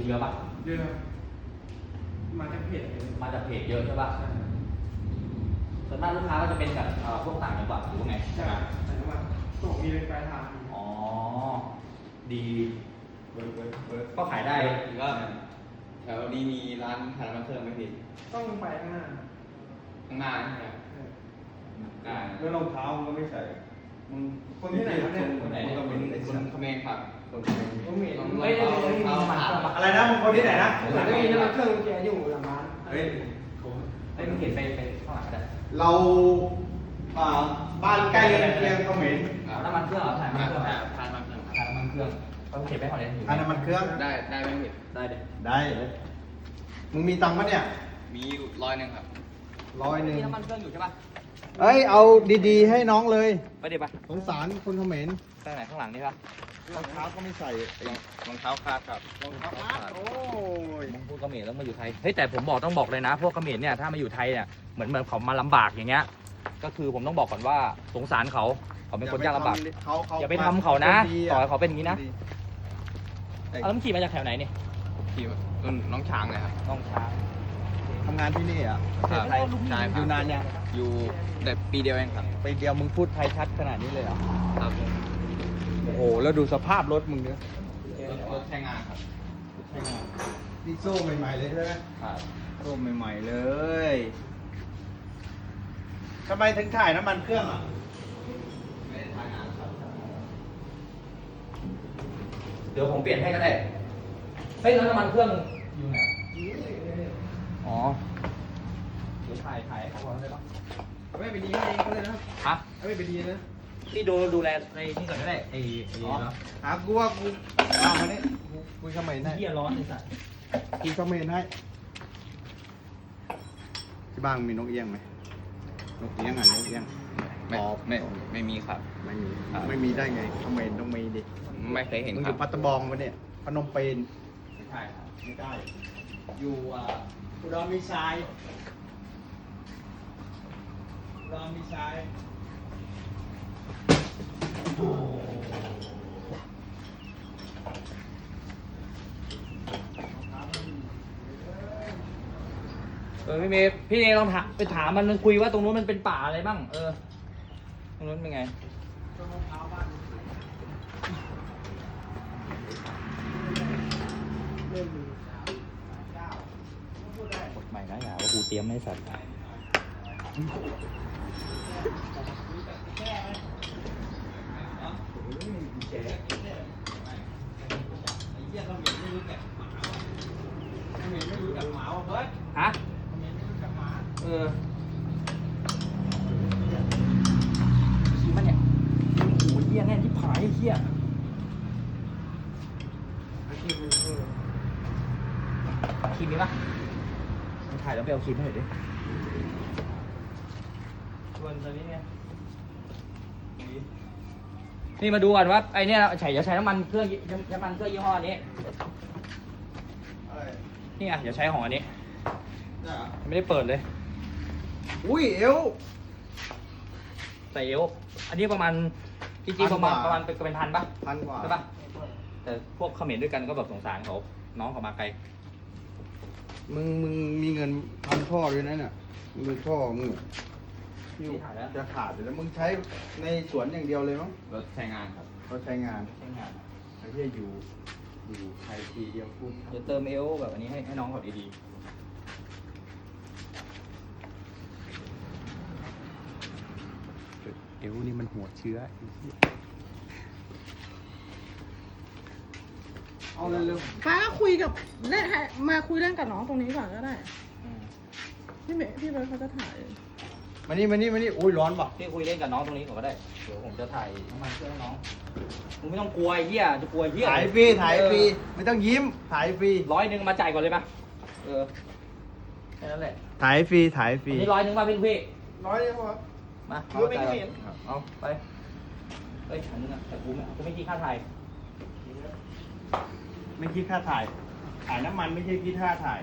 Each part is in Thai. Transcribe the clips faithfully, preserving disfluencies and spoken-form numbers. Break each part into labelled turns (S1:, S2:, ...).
S1: เยอะปะ
S2: เยอะมาจากเพจ
S1: มาจากเพจเยอะใช่ปะส่วนมากลูกค้าก็จะเป็นแบบพวกต่างจังหวัดหรือว่าไง
S2: ใช่ต่างจังหวัดส่งมีเป็นปลายทาง
S1: อ๋อดีก็ขายได้
S3: ก็แถวนี้มีร้านขายน้ำมันเครื่องไหมพี่
S2: ต้องไปข้างหน้า
S3: ข้างหน้าใช่ไหมได้
S4: แล้วรองเท้ามึงก็ไม่ใส่มึง
S2: คนที่ไหนเนี่ย
S3: คนไหนก็เป็นคนเขมรครับคนเขมร
S2: ผมเห็น
S3: ไม่ได้ไม่ได้มา
S4: อะไรนะมึงคนที่ไหนนะ
S2: หลังจากนี้น้ำเครื่องแกอยู่หลังร้าน
S4: เฮ้ย
S1: ไอ้มึงเห็นไปไปข้างหลังก็ได้
S4: เราอ่าบ้านใกล้เคียงเขมร
S1: น้ำมันเครื่องเหรอถ่ายน้ำมันเครื่อง
S3: ทานน้ำมันเครื่อง
S1: ถ่ายน้ำมันเครื่องต้องเก็บไว้ก่อนเลย
S4: ทานน้ำมันเครื่อง
S3: ได้ได้ไหมพี่
S1: ได้เด็ด
S4: ได้มึงมีตังค์ปะเนี่ย
S3: มีร้อยหนึ่งครับ
S4: ร้อยหนึ่ง
S1: มีน้ำมันเครื่องอยู่ใช่ปะ
S4: เอ้ยเอาดีๆให้น้องเลย
S1: ไปเดี๋ยวปะ
S4: สงสารคนเขมร
S1: ข้างไหนข้างหลังนี่ปะ
S4: รองเท้าก็ไม่ใส่
S3: รองเท้าคาดครับ
S4: รองเท้าขาดโอ้ย
S1: มึงพูดเขมรแล้วมาอยู่ไทยเฮ้ยแต่ผมบอกต้องบอกเลยนะ พวกเขมรเนี่ยถ้ามาอยู่ไทยเนี่ยเหมือนเหมือนเขามาลำบากอย่างเงี้ยก็คือผมต้องบอกก่อนว่าสงสารเขาเขาเป็นคนยากลำบากอย่าไปทำเขานะต่อให้เขาเป็นอย่างนี้นะแล้วมึงขี่มาจากแถวไหนนี่
S3: ที่น้องช้างเลยครับ
S1: น้องช้าง
S4: ทำงานที่นี่อ่ะ
S3: ใช่ใช่ค
S4: อ
S3: รับ
S4: ยู่นานยัง
S3: อยู่แต่ปีเดียวเองครับ
S4: ไปเดียวมึงพูดไทยชัดขนาดนี้เลยเหรอ
S3: ครับ
S4: โอ้โหแล้วดูสภาพรถมึงเนี่ย
S3: รถใช้งานครับ
S4: นี่โซ่ใหม่ๆเลยใช่ไหม
S3: ครับ
S4: โซ่ใหม่ๆเลยทำไมถึงถ่ายน้ำมันเครื่องอ่ะ
S3: ไม่ได้ทำงานครับ
S1: เดี๋ยวผมเปลี่ยนให้ก็ได้เฮ้ยแล้วน้ำมันเครื่องอยู่ไหนอ๋อเดี๋ยวถ่ายถ่ายเขาบอกได้ปะ
S2: เอาไม่ไปดีเองก็เลยนะ
S1: ฮะ
S2: เอาไม่ไปดีนะ
S1: พี่ดูดูแลในนี่ก่อนก็ได้ไอ้ไอ้
S4: อ๋อ
S1: เนาะ
S4: หากูว่ากูเอามาเนี่ยกูคุยเขมรให้
S1: เหี้ยร้อนไอ้สัส
S4: คุยเขมรให้ที่บ้านมีนกเอี้ยงไหมนกเอี้ยงอ่ะนกเอี้ยง
S3: ไม่
S4: อ๋อ
S3: ไม่ไม่มีครับ
S4: ไม่มี
S3: ครับ
S4: ไม่มีได้ไงเขมรต้องมีดิ
S3: ไม่เคยเห็น
S4: มึงอ
S3: ครั
S4: ยู่
S3: บ
S4: ปัตตบองปะเนี่ยพนมเปญ
S3: ไม่ใช่ครับ
S4: ไม่ได้ อยู่อ่าอุดรมีชายอุดรมีชาย
S1: เออพี่เมย์พี่เมย์ลองถามไปถามมันคุยว่าตรงนู้นมันเป็นป่าอะไรบ้างเออตรงนู้นเป็นไงกดใหม่นะอย่าว่ากูเตรียมไม่สัตว์ฮะเออขี่มันเนี่ยโอ้ยเหี้ยแน่นที่ผายไอ้เหี้ยครีมมีปะมึงถ่ายแล้วไปเอาครีมให้หน่อยดิชวนตอนนี้ไงนี่มาดูก่อนว่าไอเนี้ยใช้จะใช้น้ำมันเครื่องน้ำมันเครื่องยี่ห้อนี้
S4: อะไร
S1: นี่ไงเดี๋ยวใช้ของอันนี้
S4: เนี่ยเหรอ
S1: ไม่ได้เปิดเลย
S4: อุ้ยเอว
S1: ใส่เอวอันนี้ประมาณจริงๆประมาณ
S4: พันกว่า
S1: ประมาณเป็นเป็นพันปะ
S4: พันกว่า
S1: ใช่ปะแต่พวกเขมรด้วยกันก็แบบสงสารเขาน้องเขามาไกล
S4: มึงมึงมีเงินทำท่อด้วยนะเนี่ยมึงดูท่อมึงอยู่
S1: ถ่ายแล้ว
S4: จะขาดอยู่แล้วมึงใช้ในสวนอย่างเดียวเลยมั้ง
S3: รถใช้งานครับ
S4: เขาใช้งาน
S1: ใช้งาน
S4: ไอ้ที่อยู่อยู่ไทยทีเดียวพูด
S1: เดี๋ยวเติมเอวแบบอันนี้ให้ให้น้องเขาดี
S4: เอวนี่มันหัวเชื้อเอาเร็ว
S5: ป้าก็คุยกับเล่นให้มาคุยเล่นกับน้องตรงนี้ก่อนก็ได้
S1: ๆอืม
S5: พี่เมย์พี่เบิร์ดเขาจะถ่าย
S4: ๆมานี่มานี่มานี่อุ้ยร้อนป่ะ
S1: พี่คุยเล่นกับน้องตรงนี้ก่อนก็ได้เดี๋ยวผมจะถ่ายน้ำมันเครื่องให้น้องมึงไม่ต้องกลัวไอ้เหี้ยจะกลัวไอ้เหี้ย
S4: ถ่ายฟรีถ่ายฟรีไม่ต้องยิ้มถ่ายฟรี
S1: ร้อยหนึ่งมาจ่ายก่อนเลยปะเออแค่นั้นแหละ
S4: ถ่ายฟรีถ่ายฟรี
S1: อันนี้ร้อยหนึ่งป่ะพี่พี่
S2: ร้อยเดียวครับ
S1: มา
S2: ดูไม่เห็น
S1: ครับเอาไปเฮ้ยอันนึงอะแต่กูไม่กูไม่คิดค่าถ่าย
S4: ไม่คิดค่าถ่ายถ่ายน้ำมันไม่ใช่คิดค่าถ่าย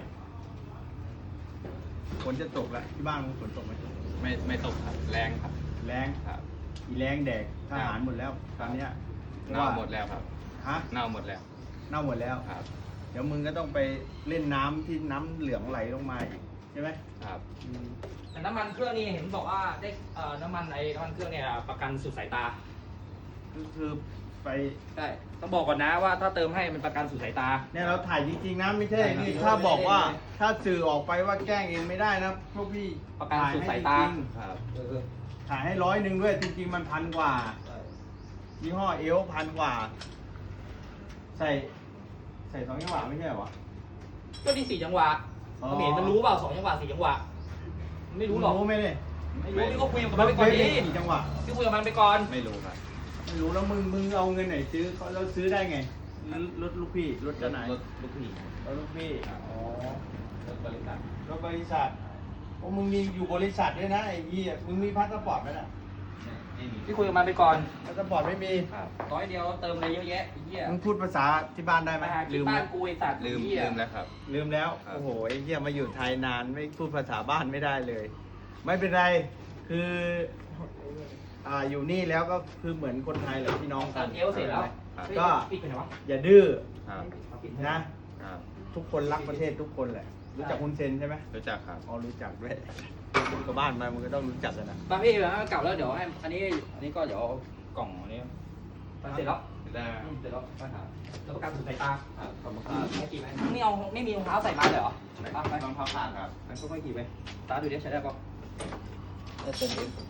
S4: ฝนจะตกแล้วที่บ้านมึงฝนตกไหม
S3: ไม่ไม่ตกครับแรงครับ
S4: แรง
S3: ครับ
S4: อีแรงแดกทหารหมดแล้วตอนเนี้ย
S3: เน่าหมดแล้วครับ
S4: ฮะ
S3: เน่าหมดแล้ว
S4: เน่าหมดแล้ว
S3: ครับ
S4: เดี๋ยวมึงก็ต้องไปเล่นน้ำที่น้ำเหลืองไหลลงมาอีกใช่ไหม
S3: ครับ
S4: อืม
S1: แต่น้ำมันเครื่องนี่เห็นบอกว่าได้เอ่อน้ำมันไอ้น้ำมันเครื่องเนี่ยประกันสุดสายตา
S4: ก็คือไป
S1: ใช่ต้องบอกก่อนนะว่าถ้าเติมให้มันประกันสุดสายตา
S4: เนี่ยเราถ่ายจริงๆนะไม่ใช่
S1: ใช่ครับ
S4: นี่ถ้าบอกว่าถ้าสื่อออกไปว่าแกล้งเองไม่ได้นะพวกพี่
S1: ประกันสุดสายตา
S4: ถ่ให้จริง
S3: ครับ
S1: เออ
S4: ๆถ่ายให้ร้อยหนึ่งด้วยจริงๆมันพันกว่ายี่ห้อเอลพันกว่า ใส่ ใส่สองจังหวะไม่ใช่เหรอวะ
S1: ก็ที่สี่จังหวะ
S4: อ๋อ
S1: เขมรมันรู้เปล่าสองจังหวะสี่จังหวะมันไม่รู้หรอก
S4: รู้ไหมเนี่ย
S1: ไม่รู้พี่ก็คุยกับมันไปก่อนดิ
S4: กี่จังหวะ
S1: พี่คุยกับมันไปก่อน
S3: ไม่รู้ครับ
S4: ไม่รู้แล้วมึงมึงเอาเงินไหนซื้อเขาแล้วซื้อได้ไงรถลูกพี่รถ
S3: ร
S4: เจ้า
S3: ถ
S4: ไหนาย
S3: รถลูกพี่
S4: รถลูกพี่อ๋อ
S3: รถบริษัท
S4: รถบริษัทโอ้มึงมีอยู่บริษัทด้วยนะไอ้ยี่มึงมีพาสปอร์ตไหมน่ะ
S3: ไม่มี
S1: พี่คุยกับมันไปก่อน
S4: พาสปอร์ตไม่มี
S3: ครับ
S1: ร้อยเดียวเติมอะไรเยอะแยะไอ้เหี้ย
S4: มึงพูดภาษาที่บ้านได้ไหม
S1: มาหา
S4: ลื
S1: ที่
S4: ม
S1: บ้า
S4: แล้
S1: น
S4: ว
S1: กูไอ้สัตว์
S3: ลืม
S1: ไอ้เหี้ย
S3: ลืมแล้วครับ
S4: ลืมแล้ว
S3: ครับ
S4: โอ้โหไอ้เหี้ยมาอยู่ไทยนานไม่พูดภาษาบ้านไม่ได้เลย ไม่เป็นไรคืออ่าอยู่นี่แล้วก็คือเหมือนคนไทยแหละพี่น้อง
S1: เติ
S4: กัน
S1: มเอลเสร็จแล้ว
S3: ครับ
S4: ก็
S1: ปิดไปไหนวะ
S4: อย่าดื้อ
S3: ครับ
S4: นะ
S3: ครับ
S4: ทุกคนรักประเทศทุกคนแหละ รู้จักคุณเซนใช่ไหม
S3: รู้จักครับ
S4: อ๋อรู้จักด้วยมึงกับบ้านมามึงก็ต้องรู้จักกันนะ
S1: มาพี่เดี๋ยวให้มันกลับแล้วเดี๋ยวให้อันนี้อันนี้ก็เดี๋ยวเอากล่องอันนี้มันเสร็จแล้ว
S3: ได้
S1: อืมเสร็จแล้วปัญหาแล้วประกันสุดสายตา
S3: ครับขอบคุณค
S1: อ่า
S3: รับ
S1: ไม่กี่ไหมไม่เอาไม่มีรองเท้าใส่มาเลยเหรอไปไป
S3: รองเท้าขาดครับ
S1: มันก็ไม่กี่ไปตาดูดิใช้ได้ปะเออเติมเอง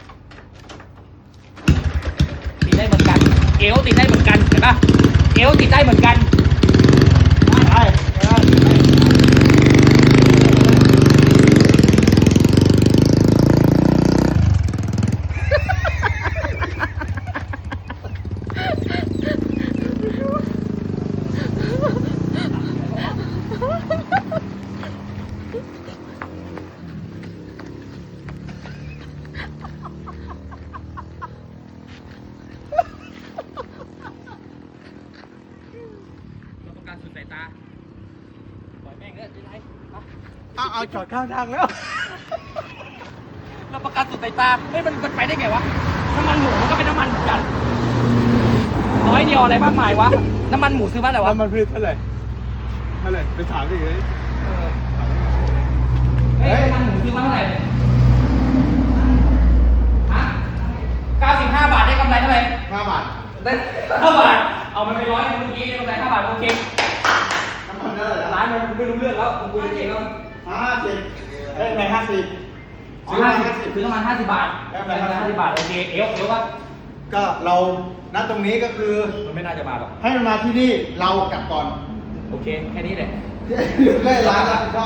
S1: ติดได้เหมือนกัน เอวติดได้เหมือนกันเห็นปะเอวติดได้เหมือนกัน
S4: ไปไป
S1: เราประกันสุดสายตาปล่อยแม่งเด้อจะไรมา
S4: เอาเอาจอดข้างทางแล้ว
S1: เราประกันสุดสายตาเฮ้ยมันมันไปได้ไงวะ น้ำมันหมูมันก็เป็นน้ำมันเหมือนกันร้อยเดียวอะไรมากมายวะ น้ำมันหมูซื้อมาไหนวะ
S4: แล้วมันพืชเท่าไหร่เท่าไหร่ไปถามดิเลย
S1: เฮ้ยน้ำมันหมูซื้อมาเท่าไหร่ฮะเก้าสิบห้าบาทได้กำไรเท่าไหร่
S4: ห้าบาท
S1: ได้ห้าบาท เอามันไปร้อยเมื่อกี้ได้กำไรห้าบาทโอเค
S4: น้ำมันเท่าไหร่
S1: ร้านมันไม่รู้เรื่องแล้วผมคุยเองแล้ว
S4: ห้าสิบเอ้ยไม่ห้าสิบ
S1: ซื้อห้าสิบซื้อประมาณห้าสิบบาท
S4: ได้
S1: ได้
S4: ไหม
S1: ห้าสิบบาทโอเค เอวเอวว่า
S4: ก็เราณตรงนี้ก็คือ
S1: มันไม่น่าจะมาหรอก
S4: ให้มันมาที่นี่เรากลับก่อน
S1: โอเค แค่นี้แหละ
S4: ได้ร้านรับผิดชอบ